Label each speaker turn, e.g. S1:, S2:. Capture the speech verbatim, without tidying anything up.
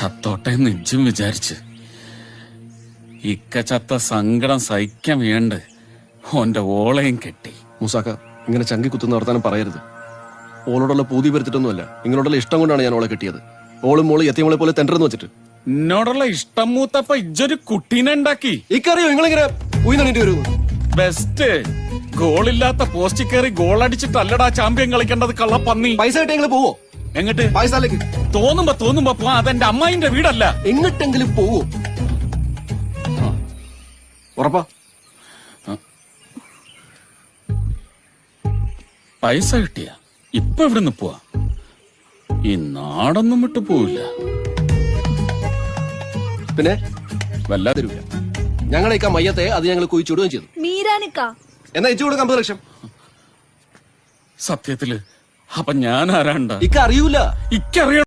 S1: ചത്തോട്ടെ നെഞ്ചും വിചാരിച്ച് ഇക്ക ചത്ത സങ്കടം സഹിക്കാൻ വേണ്ട ഓന്റെ ഓളയും കെട്ടി.
S2: മൂസാക്ക, ഇങ്ങനെ ചങ്കി കുത്തുന്ന വർത്താനം പറയരുത്. ഓളോടുള്ള പൂതി വരുത്തിട്ടൊന്നുമല്ല, നിങ്ങളോടുള്ള ഇഷ്ടം കൊണ്ടാണ് ഞാൻ ഓളെ കെട്ടിയത്. ഓളും മോള് എത്തിയമോളെ പോലെ തെണ്ടരെന്ന് വെച്ചിട്ട്.
S1: എന്നോടുള്ള ഇഷ്ടം മൂത്തപ്പ ഇജ്ജൊരു കുട്ടീനെ ഉണ്ടാക്കി.
S2: ഇക്കറിയോ നിങ്ങളിങ്ങനെ ഉയർന്നിട്ട് വരുന്നു?
S1: ബെസ്റ്റ് ഗോളില്ലാത്ത പോസ്റ്റ് കയറി ഗോൾ അടിച്ചിട്ടല്ലടാ ചാമ്പ്യൻ കളിക്കേണ്ടത് കള്ളപ്പന്നി.
S2: പൈസ കിട്ടി നിങ്ങൾ പോവോ?
S1: എങ്ങട്ട്?
S2: പൈസയിലേക്ക്
S1: തോന്നുമ്പോ തോന്നുമ്പോ പോ. അതെന്റെ അമ്മായിന്റെ വീടല്ല.
S2: എങ്ങട്ടെങ്കിലും പോവോ? ഉറപ്പാ?
S1: പൈസ കിട്ടിയ ഇപ്പൊ ഇവിടുന്ന് പോവാ. ഈ നാടൊന്നും വിട്ടു പോവില്ല.
S2: പിന്നെ വല്ലാതിരില്ല. ഞങ്ങളേക്കാ മയ്യത്തെ അത് ഞങ്ങൾ കുഴിച്ചുവിടുകയും ചെയ്തു.
S3: മീരാനിക്ക
S2: എന്നാ ഇച്ചു കൊടുക്കാം അമ്പത് ലക്ഷം.
S1: സത്യത്തില് അപ്പൊ ഞാൻ ആരാണ്ട?
S2: ഇക്ക അറിയൂല.
S1: ഇക്കറിയ